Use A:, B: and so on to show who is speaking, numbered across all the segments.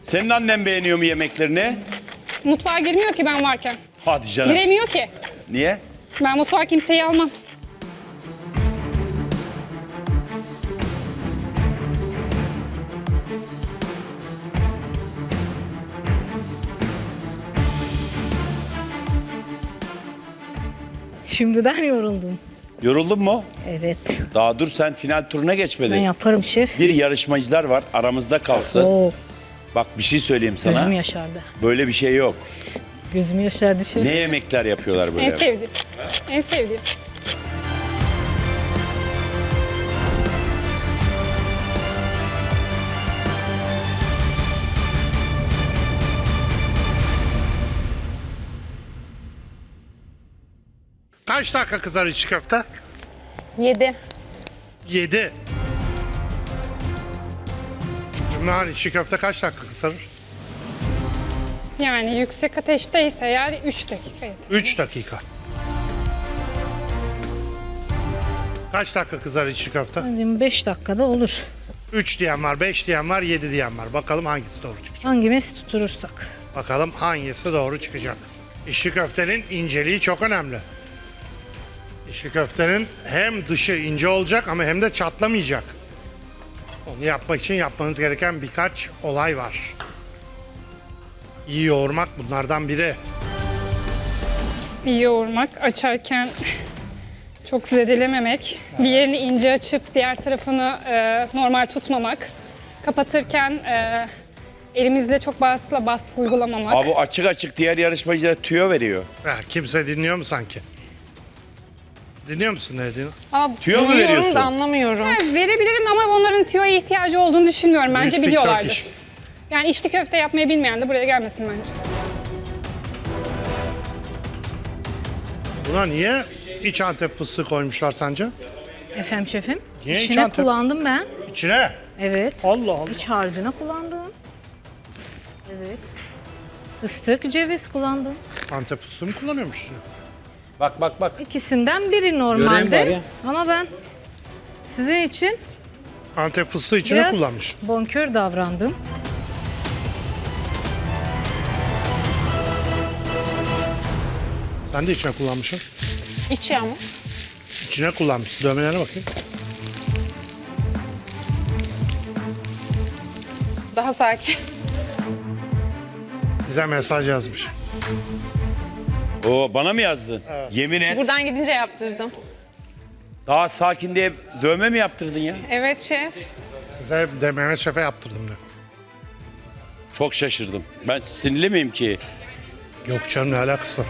A: Senin annen beğeniyor mu yemeklerini?
B: Mutfağa girmiyor ki ben varken.
A: Hadi canım.
B: Giremiyor ki.
A: Niye?
B: Ben mutfağa kimseyi almam.
C: Şimdiden yoruldum.
A: Yoruldun mu?
C: Evet.
A: Daha dur, sen final turuna
C: Ben
A: geçmedin.
C: yaparım şef.
A: Bir yarışmacılar var, aramızda kalsın.
C: Oo,
A: Bak bir şey söyleyeyim sana.
C: gözüm yaşardı.
A: Böyle bir şey yok.
C: Gözüm yaşardı şef.
A: Ne yemekler yapıyorlar böyle?
B: En sevdiğim. En sevdiğim.
D: Kaç dakika kızar içi köfte?
B: 7.
D: 7. Ümran içi köfte kaç dakika kızarır?
B: Yani yüksek ateşteyse eğer 3 dakika yeter.
D: 3 dakika. Kaç dakika kızar içi köfte?
C: 5 dakikada olur.
D: 3 diyen var, 5 diyen var, 7 diyen var. Bakalım hangisi doğru çıkacak?
C: Hangimiz tutturursak.
D: Bakalım hangisi doğru çıkacak? İçli köftenin inceliği çok önemli. İçli köftenin hem dışı ince olacak ama hem de çatlamayacak. Onu yapmak için yapmanız gereken birkaç olay var. İyi yoğurmak bunlardan biri.
B: İyi yoğurmak, açarken çok zedelememek, bir yerini ince açıp diğer tarafını normal tutmamak, kapatırken elimizle çok baskı uygulamamak.
A: Abi bu açık açık diğer yarışmacılara tüyo veriyor.
D: Kimse dinliyor mu sanki? Dinliyor musun ne dediğini?
A: Tüyo mu
E: Biliyorum
A: veriyorsun?
E: da anlamıyorum.
B: Verebilirim ama onların tüyoya ihtiyacı olduğunu düşünmüyorum. Bence
D: speak
B: biliyorlardır.
D: Turkish.
B: Yani içli köfte yapmayı bilmeyen de buraya gelmesin bence.
D: Buna niye iç Antep fıstığı koymuşlar sence?
C: Efendim şefim.
D: Niye hiç
C: İçine
D: Antep-
C: kullandım ben.
D: İçine.
C: Evet.
D: Allah Allah.
C: İç harcına kullandım. Evet. Fıstık, ceviz kullandım.
D: Antep fıstığı mı kullanıyormuş içine?
F: Bak bak bak.
C: İkisinden biri
F: Gören var
C: normalde.
F: ya.
C: Ama ben sizin için
D: Antep fıstığı içine
C: biraz
D: kullanmış.
C: bonkör davrandım.
D: Sen de içine kullanmışsın.
E: İç yağ mı?
D: İçine kullanmışsın. Dövmelerine bakayım.
E: Daha sakin.
D: Bize mesaj yazmış.
A: Oo, bana mı yazdın? Yemin et.
E: Buradan gidince yaptırdım.
A: Daha sakin diye dövme mi yaptırdın ya?
E: Evet şef.
D: Size de Mehmet Şef'e yaptırdım diyor.
A: Çok şaşırdım. Ben sinirli miyim ki?
D: Yok canım ne alakası var?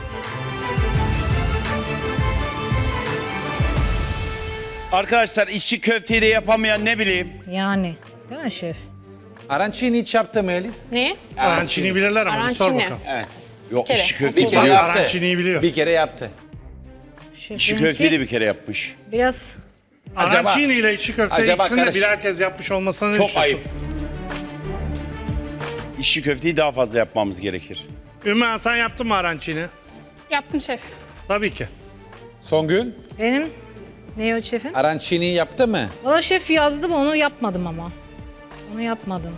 A: Arkadaşlar içi köfteyi de yapamayan ne bileyim.
C: Yani. Değil mi şef?
F: Arancini hiç yaptı mı Elif?
E: Ne?
D: Arancini bilirler ama bir sor
E: Arancini.
D: bakalım.
F: Evet.
A: Yok
E: kere.
A: içi köfteyi
F: Bir kere
A: biliyor.
F: yaptı.
D: Arancini'yi biliyor.
F: Bir kere yaptı.
A: İçi köfteyi de bir kere yapmış.
C: Biraz
F: Acaba-
D: Arancini ile içi köfte
F: acaba
D: ikisini de
F: karış-
D: birer kez yapmış olmasına ne
A: Çok
D: düşünüyorsun?
A: ayıp. İçi köfteyi daha fazla yapmamız gerekir.
D: Ümmü sen yaptın mı arancini?
B: Yaptım şef.
D: Tabii ki.
F: Songül,
C: benim ne o şefim?
F: arancini yaptı mı?
C: Valla şef yazdım onu yapmadım ama. Onu yapmadım.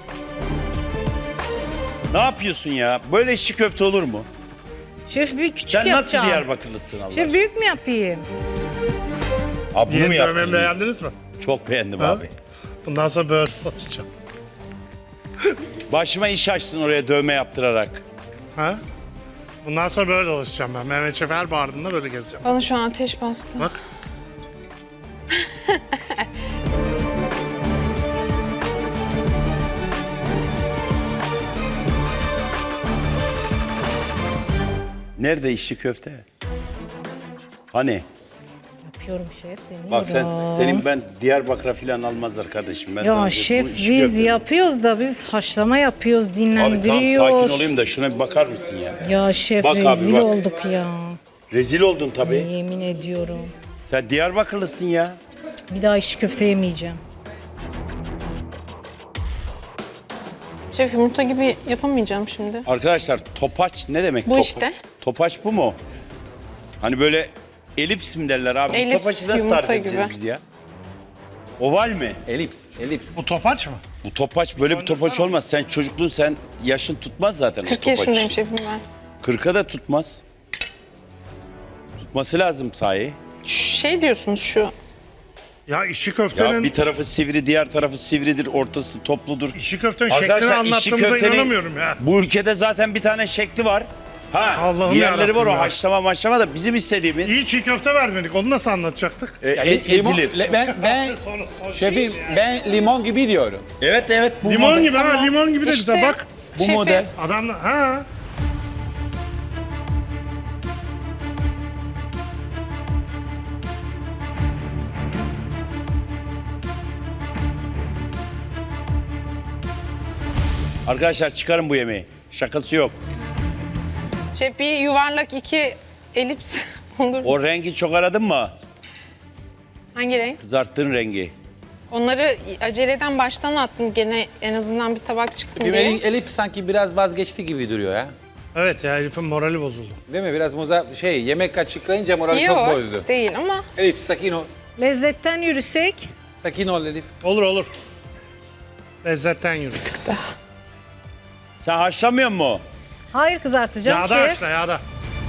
A: Ne yapıyorsun ya? Böyle içi köfte olur mu?
C: Şef bir küçük
A: Sen nasıl
C: yapacağım.
A: Diyarbakırlısın Allah
C: Şef
A: aşkına?
C: büyük mü yapayım?
A: Abi bunu mu
D: Yeni dövmemi
A: yaptın?
D: beğendiniz mi?
A: Çok beğendim
D: Ha?
A: abi.
D: Bundan sonra böyle olacağım.
A: Başıma iş açtın oraya dövme yaptırarak.
D: Ha? Bundan sonra böyle dolaşacağım ben. Mehmet Şef her bağırdığında böyle gezeceğim.
E: Bana şu an ateş bastı.
D: Bak.
A: Nerede içi köfte? Hani?
C: Yapıyorum şef deniyorum.
A: Bak senin ben Diyarbakır'a falan almazlar kardeşim. Ben sana
C: Ya
A: diyorum,
C: şef
A: bu içi
C: biz
A: köfte.
C: yapıyoruz da biz haşlama yapıyoruz,
A: Abi tamam
C: dinlendiriyoruz.
A: sakin olayım da şuna bir bakar mısın ya?
C: Ya şef
A: Bak abi,
C: rezil
A: bak.
C: olduk ya.
A: Rezil oldun tabii.
C: Yemin ediyorum.
A: Sen Diyarbakırlısın ya.
C: Bir daha iş köfte yemeyeceğim.
E: Şef yumurta gibi yapamayacağım şimdi.
A: Arkadaşlar topaç ne demek?
E: Bu işte.
A: Topaç bu mu? Hani böyle elips mi derler abi?
E: Elips,
A: Topaçı nasıl
E: yumurta
A: tarif edeceğiz
E: gibi.
A: biz ya? Oval mi?
F: Elips, elips.
D: Bu topaç mı?
A: Bu topaç böyle bir topaç olmaz. Sen çocukluğun sen yaşın tutmaz zaten o
E: 40
A: topaç.
E: yaşındayım şefim ben.
A: 40'a da tutmaz. Tutması lazım sahi.
E: Şey diyorsunuz şu.
D: Ya işi
A: Ya
D: köftenin,
A: bir tarafı sivri, diğer tarafı sivridir, ortası topludur.
D: işi köftenin
A: Arkadaşlar,
D: şeklini
A: işi
D: anlattığımıza
A: köftenin-
D: inanamıyorum ya.
A: Bu ülkede zaten bir tane şekli var. Ha,
D: Allah'ım
A: diğerleri var
D: yarabbim
A: o
D: ya.
A: haşlama maşlama da bizim istediğimiz
D: İyi çiğ köfte vermedik. Onu nasıl anlatacaktık?
A: ezilir.
F: Ben şefim ben limon gibi diyorum.
A: Evet bu
D: Limon
A: model.
D: gibi ha, limon gibi de
E: İşte
D: güzel. Bak
A: Bu
E: şefim,
A: model.
D: adam ha.
A: Arkadaşlar çıkarın bu yemeği. Şakası yok.
E: Şef bir yuvarlak 2 elips olur.
A: O rengi çok aradın mı?
E: Hangi renk?
A: Kızarttığın rengi.
E: Onları aceleden baştan attım gene en azından bir tabak çıksın
F: Şefim,
E: diye.
F: Elif sanki biraz vazgeçti gibi duruyor ya.
D: Evet ya Elif'in morali bozuldu.
F: Değil mi? Biraz yemek açıklayınca morali çok
E: Yok
F: bozdu.
E: değil ama
F: Elif sakin ol.
C: Lezzetten yürüsek
F: Sakin ol Elif.
D: Olur. Lezzetten yürü.
A: Sen haşlamıyor mu?
C: hayır kızartacağım
D: Yağda
C: şef.
D: haşla yağda.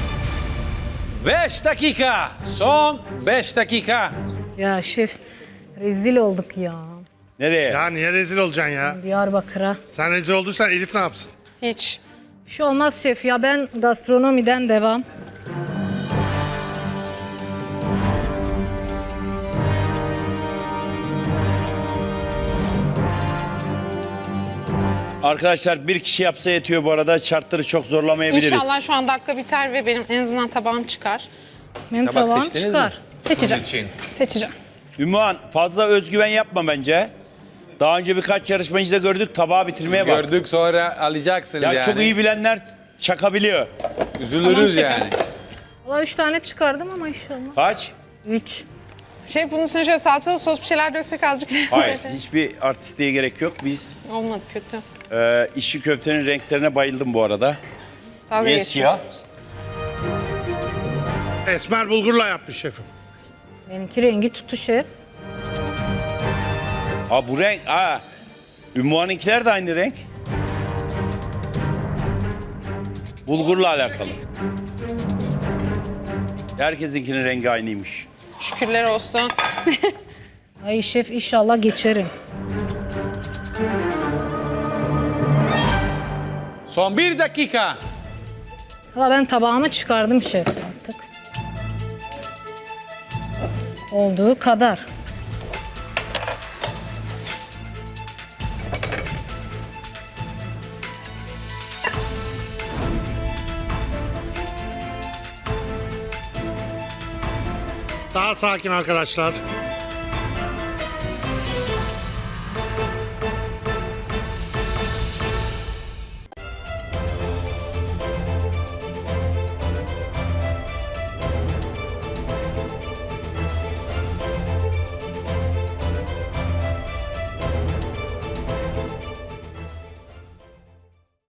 F: 5 dakika. Son 5 dakika.
C: Ya şef rezil olduk ya.
A: Nereye?
D: Ya niye rezil olacaksın ya?
C: Diyarbakır'a.
D: Sen rezil olduysan Elif ne yapsın?
E: hiç.
C: Bir şey olmaz şef ya, ben gastronomiden devam.
A: Arkadaşlar bir kişi yapsa yetiyor bu arada. Şartları çok zorlamayabiliriz.
E: İnşallah şu an dakika biter ve benim en azından tabağım çıkar.
C: Benim
F: Tabak
C: tabağım
F: seçtiniz
C: çıkar.
F: mi?
B: Seçeceğim.
F: Bunun için.
B: Seçeceğim.
A: Ümmühan fazla özgüven yapma bence. Daha önce birkaç yarışmacı da gördük tabağı bitirmeye bak.
F: Gördük sonra alacaksınız
A: Ya
F: yani.
A: çok iyi bilenler çakabiliyor.
F: Üzülürüz yani.
C: Valla 3 tane çıkardım ama inşallah.
A: Kaç?
C: 3.
E: Şey bunun üstüne şöyle salçalı sos bir şeyler döksek azıcık.
A: Hayır. Hiçbir artistliğe gerek yok. Biz
E: Olmadı kötü.
A: işi köftenin renklerine bayıldım bu arada.
E: Dalga
A: Niye
E: geçiyorsunuz.
D: Esmer bulgurla yapmış şefim.
C: Benimki rengi tuttu şef.
A: Ha bu renk. Ha. Ümmühan'ınkiler de aynı renk. Bulgurla alakalı. Herkesinkinin rengi aynıymış.
E: Şükürler olsun.
C: Ay şef inşallah geçerim.
F: Son 1 dakika.
C: Valla ben tabağımı çıkardım şef artık. Olduğu kadar.
D: Daha sakin arkadaşlar.